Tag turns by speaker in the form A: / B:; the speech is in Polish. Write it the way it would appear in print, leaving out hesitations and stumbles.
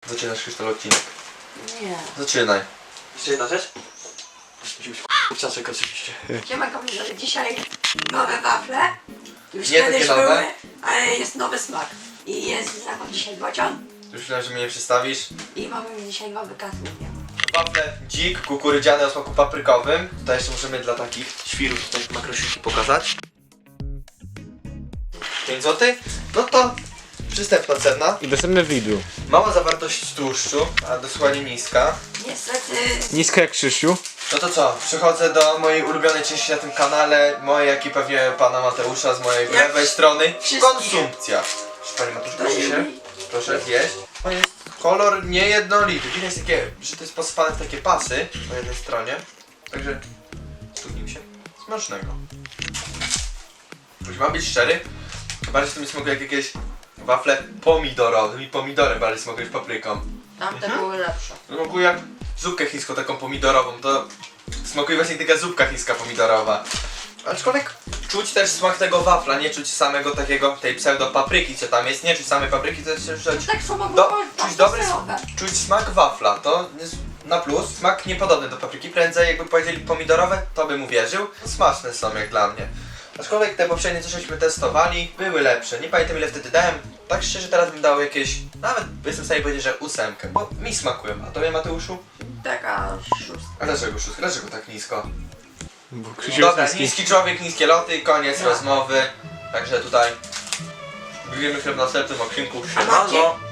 A: Zaczynasz Krzysztof odcinek.
B: Nie.
A: Zaczynaj. Jeszcze jedna rzecz? Musi być kurczaczek oczywiście.
B: Siemanko, że dzisiaj nowe wafle. Już
A: Nie
B: kiedyś
A: takie nowe.
B: były, ale jest nowy smak. I jest za mną dzisiaj bocian.
A: Już myślałem, że mnie nie przedstawisz.
B: I mamy dzisiaj nowy katlubię.
A: Wafle dzik, kukurydziane o smaku paprykowym. Tutaj jeszcze możemy dla takich świrów tutaj makrosiki pokazać. 5 zł? No to przystępna cena.
C: I dostępne w Lidlu.
A: Mała zawartość tłuszczu, a dosłownie niska.
B: Niestety
C: Nisko jak Krzysiu.
A: No to co? Przechodzę do mojej ulubionej części na tym kanale. Mojej, jak i pewnie pana Mateusza z mojej lewej strony.
B: wszystkie.
A: Konsumpcja. Panie Mateusz, proszę się. Proszę zjeść. To jest kolor niejednolity. Widać takie, że to jest posypane w takie pasy po jednej stronie. Także studnił się. Smacznego. Już mam być szczery. Bardziej to mi smakuje jak jakieś wafle pomidorowe. I pomidory bardziej smakują niż papryką.
B: tamte były lepsze.
A: Smakuje jak zupkę chińską taką pomidorową. To smakuje właśnie taka zupka chińska pomidorowa. Aczkolwiek czuć też smak tego wafla, nie czuć samego takiego, tej pseudo papryki co tam jest, nie czuć samej papryki, to jest czuć,
B: Tak samo
A: Do-
B: było
A: czuć dobry
B: serowe.
A: czuć smak wafla, to jest na plus, smak niepodobny do papryki, prędzej jakby powiedzieli pomidorowe, to bym uwierzył, smaczne są jak dla mnie. Aczkolwiek te poprzednie co żeśmy testowali, były lepsze, nie pamiętam ile wtedy dałem, tak szczerze teraz bym dał jakieś, nawet jestem w stanie powiedzieć, że 8, bo mi smakują, a tobie Mateuszu?
B: Taka szóstka.
A: A dlaczego 6? Dlaczego tak nisko?
C: Bo Krzysiu
A: Dobra,
C: jest niski.
A: niski człowiek, niskie loty, koniec
B: No.
A: rozmowy. Także tutaj będziemy się w następnym odcinku.
B: A macie,
A: Siemano!